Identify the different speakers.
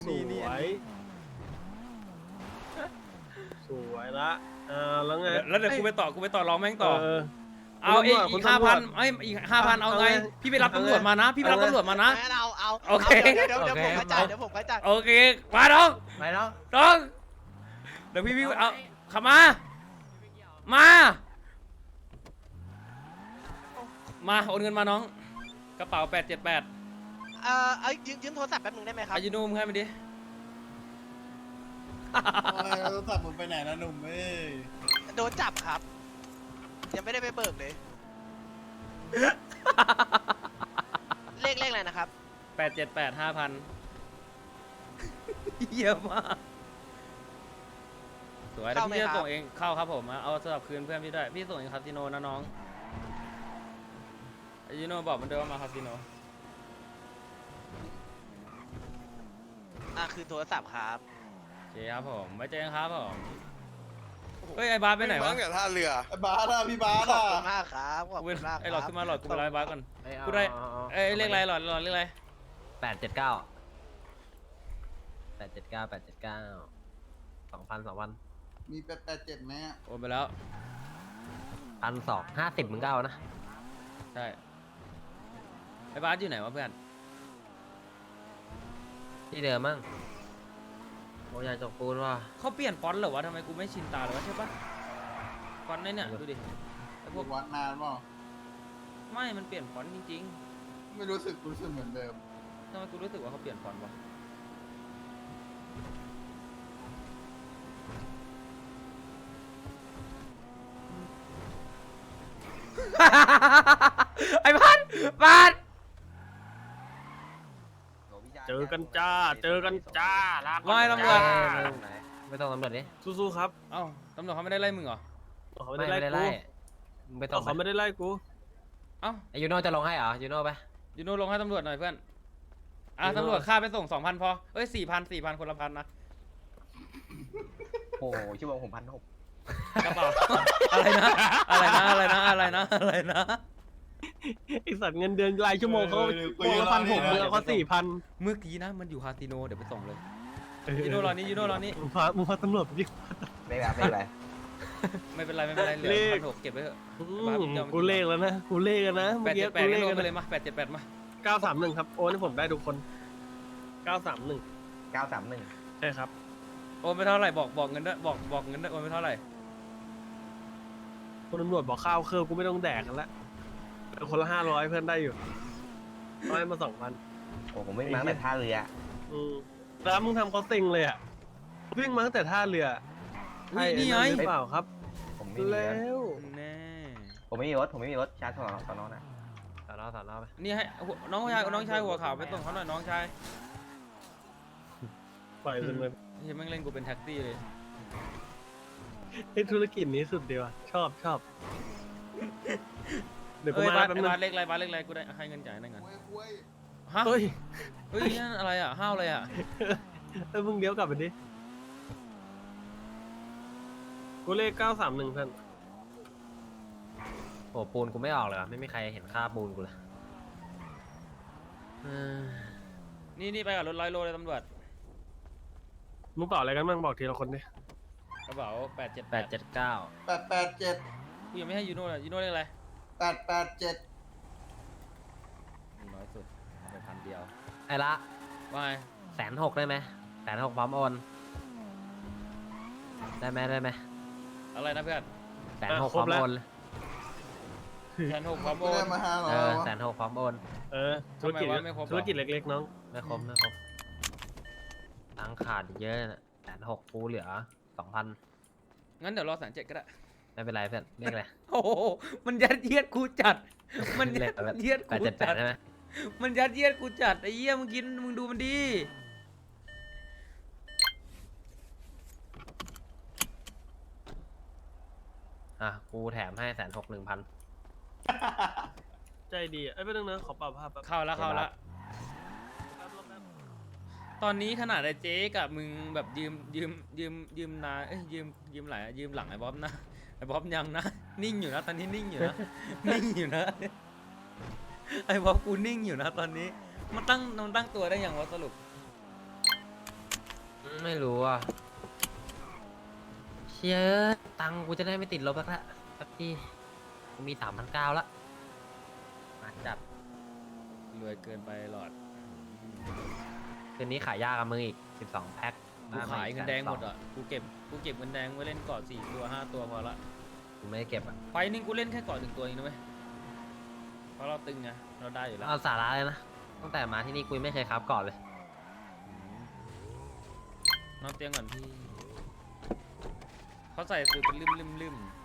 Speaker 1: สวยสวยละแล้วไง
Speaker 2: แล้วเดี๋ยวกูไปต่อร้องแม่งต่อ เอาอีก
Speaker 1: คุณ
Speaker 2: 5,000
Speaker 1: ตำรวจ
Speaker 2: อีก 5,000 เอาไง พี่ไปรับตำรวจมานะ พี่ไปรับตำรวจมานะ
Speaker 3: เอา
Speaker 2: โอเค
Speaker 3: เดี๋ยวผมกระจายเดี๋ยวผมกระจาย
Speaker 2: โอเค มาน้อง
Speaker 4: ไปแล้ว
Speaker 2: น้อง เดี๋ยวพี่เอาขับมา มาโอนเงินมาน้อง กระเป๋า878
Speaker 3: ยืมโทรศัพท์แป๊บนึงได้ไหมครับ
Speaker 2: อายุนุ่มให้มาดิ
Speaker 5: โทรศัพท์มึงไปไหนนะหนุ่มเอ้ย
Speaker 3: โดนจับครับ ยังไม่ได้ไปเบิกเลย เลขอะไรนะครับ
Speaker 2: 878 5,000เยี่ยมมากสวยแล้วพี่จะส่งเองเข้าครับผมเอาสำหรับคืนเพื่อนพี่ด้วยพี่ส่งเองคาสิโนนะน้องอายุโนบอกมันด้วยว่ามาคาสิโน
Speaker 3: คือโทรศัพท์ครับ
Speaker 2: โอเคครับผมไว้เจอกันครับผมเฮ้ยไอ้บาสไปไหนวะ
Speaker 6: ตั้งแต่ท่าเรือ
Speaker 5: ไอ้บาสอะพี่บาส
Speaker 3: ขอบ
Speaker 5: อะ
Speaker 3: คุณมากครับขอบคุณมาก
Speaker 2: ไอ้หลอดขึ้นมาหลอดกูไปไล่บาสก่อน
Speaker 4: เอา
Speaker 2: กูได้เอ้ยเลขอะไรหลอดเลขอะไร
Speaker 4: 879 2,000
Speaker 5: มี887ไหมอะ
Speaker 2: โอนไปแล้ว
Speaker 4: 1,250มึงก็เอานะ
Speaker 2: ใช่ไอ้บาสอยู่ไหนวะเพื่อน
Speaker 4: ที่เดิมมั้งโอ้ยาจกปูนว่ะ
Speaker 2: เขาเปลี่ยนฟอนต์เหรอวะทำไมกูไม่ชินตาเลยวะใช่ปะฟอนต์เนี่ยดูดิไอ้พวก
Speaker 5: วัดนานเปล่า
Speaker 2: ไม่มันเปลี่ยนฟอนต์จริง
Speaker 5: ไม่รู้สึกเหมือนเดิม
Speaker 2: ๆทำไมกูรู้สึกว่าเขาเปลี่ยนฟอนต์วะ ไอ้พัน
Speaker 1: เจอกันจ้าลาก่อน
Speaker 2: ไม่ตำรวจ
Speaker 4: ไม่ต้องตำรวจดิ
Speaker 1: สู้ๆครับ
Speaker 2: เอ้าตำรวจเขาไม่ได้ไล่มึงเหรอ
Speaker 1: เขา
Speaker 4: ไม่
Speaker 1: ไม่ได้
Speaker 4: ได้
Speaker 1: ไล่
Speaker 4: ไล่
Speaker 1: กู
Speaker 4: มึงไปต่อ
Speaker 1: เขาไม่ได้ไล่กู
Speaker 2: เอ้า
Speaker 4: ไอยูโน่จะลงให้เหรอยูโน่ไป
Speaker 2: ยูโน่ลงให้ตำรวจหน่อยเพื่อนตำรวจค่าไปส่ง 2,000 พอเอ้ย 4,000 คนละพันนะ
Speaker 4: โอ้ชั่วโมงผม1,600
Speaker 2: กระเป๋า อะไรนะ
Speaker 1: ไอสัตว์เงินเดือนรายชั่วโมงเขาโมงละ1,600มึงเอาเขา4,000
Speaker 2: เมื่อกี้นะมันอยู่คาสิโนเดี๋ยวไปส่งเลยยูโน่รอนี่
Speaker 1: มึงพาตำรวจไปดิ
Speaker 4: ไม่เป็นไร
Speaker 2: ไม่เป็นไรเหลือ
Speaker 1: เลข
Speaker 2: 1,600เก็บไว้เถอะ
Speaker 1: กูเลขแล้วนะเมื่อกี้กูเลข
Speaker 2: 878
Speaker 1: กัน
Speaker 2: ไปเลยมา878 มา
Speaker 1: 931ครับโอนให้ผมได้ทุกคน931
Speaker 4: 931
Speaker 1: ใช่ครับ
Speaker 2: โอนไปเท่าไหร่บอกเงินด้วยบอกเงินด้วยโอนไปเท่าไหร่
Speaker 1: คนตำรวจบอกข้าวเครื่องกูไม่ต้องแดกกันละเอาคนละ500เพื่อนได้อยู่ร้อยมา2,000
Speaker 4: โอ้ผมไม่มาแต่ท่าเรือ
Speaker 1: แล้วมึงทำเขาเซ็งเลยอ่ะวิ่งมาตั้งแต่ท่าเรือ
Speaker 2: อุ๊ยนี่ไง
Speaker 1: หรือเปล่าครับ
Speaker 4: ผมไม่มี
Speaker 1: แล้
Speaker 4: รถ
Speaker 1: ว
Speaker 2: แน่
Speaker 4: ผมไม่มีรถชาร์จสอนอนะสอนอไป
Speaker 2: นี่ให้น้องชายหัวขาวไปส่งเขาหน่อยน้องชาย
Speaker 1: ปล่อยมันเลย
Speaker 2: เฮ้ยแม่งเล่นกูเป็นแท็กซี่เลย
Speaker 1: ไอ้ธุรกิจนี้สุดดีว่ะชอบเดี๋ยวกู
Speaker 2: เอ้ย
Speaker 1: มา
Speaker 2: บาส
Speaker 1: แป๊บนึง
Speaker 2: บาสเลขอะไรกูได้ให้เงินจ่ายได้เงิน
Speaker 5: เว้ย
Speaker 2: ฮะ
Speaker 1: เฮ้ย
Speaker 2: เฮ้ยนั่นอะไรอ่ะห้าวอะไรอ่ะ
Speaker 1: มึงเลี้ยวกลับไปดิกูเลข931เพื่อน
Speaker 4: โอ้ปูนกูไม่ออกเลยไม่มีใครเห็นค่าปูนกูเลย
Speaker 2: นี่ไปกับรถ100 โลเลยตำรวจ
Speaker 1: มึงเปล่าอะไรกันบ้างบอกทีละคนดิ
Speaker 2: กระเป๋า878
Speaker 4: 879
Speaker 5: 887
Speaker 2: กูยังไม่ให้ยูโน่เลยยูโน่เลขอะไร
Speaker 5: 887
Speaker 2: น้อยสุดเอาไป1,000 เดียว
Speaker 4: ไอ้ละ
Speaker 2: ว่าไง
Speaker 4: 160,000ได้ไหม160,000พร้อมโอนได้ไหม
Speaker 2: อะไรนะเพื่อน
Speaker 4: 160,000พร้อมโอนเลย
Speaker 2: 1,600พร้อมโอ
Speaker 5: ไม่ได้
Speaker 2: น
Speaker 5: มา500
Speaker 4: 160,000พร้อมโอน
Speaker 1: ธุรกิจ
Speaker 2: ทำไมวะไม่ครบหรอ
Speaker 1: ธุรกิจเล็กๆน้อง
Speaker 4: ไม่ครบตังค์ขาดเยอะนะ160,000กูเหลือ 2,000
Speaker 2: งั้นเดี๋ยวรอ170,000ก็ได้
Speaker 4: ไม่เป็นไรเพื่อนเรียกอะไร
Speaker 2: โอ้โหมันยัดเยียดกูจัด มันยัดเยียดกูจัด
Speaker 4: 878ได้ไหม
Speaker 2: มันยัดเยียดกูจัดไอ้เหี้ยมึงกินมึงดูมันดี
Speaker 4: กูแถมให้160,000
Speaker 1: ใจดีอ่ะไอ้ไม่ต้องนะขอปรับภาพแป๊บ
Speaker 2: เข้าแล้วตอนนี้ขนาดไอ้เจ๊กับมึงแบบยืมนายืมไหลยืมหลังไอ้บ๊อบนะไอ้บ๊อบยังนะนิ่งอยู่นะตอนนี้นิ่งอยู่นะ นิ่งอยู่นะไอ้บ๊อบกูนิ่งอยู่นะตอนนี้มันตั้งตัวได้อย่างวะสรุป
Speaker 6: ไม่รู้อ่ะเชี่ยตังค์กูจะได้ไม่ติดลบแล้วละสักทีกูมี3,900ละมาจัด
Speaker 2: รวยเกินไปหลอด
Speaker 6: คืนนี้ขายยากกับมึงอีก12 แพ็ค
Speaker 2: กูขายเงินแดงหมดอ่ะกูเก็บเงินแดงไว้เล่นเกาะ4 ตัว 5 ตัวพอละ
Speaker 6: กูไม่ได้เก็บอ่ะ
Speaker 2: ไฟนึงกูเล่นแค่เกาะ1 ตัวเองนะเว้ยเพราะเราตึงไงเราได้อยู่แล้ว
Speaker 6: เอาสาระเลยนะตั้งแต่มาที่นี่กูยังไม่เคยครับก่อนเลย
Speaker 2: นอนเตียงก่อนพี่เขาใส่สูตรเป็นลืม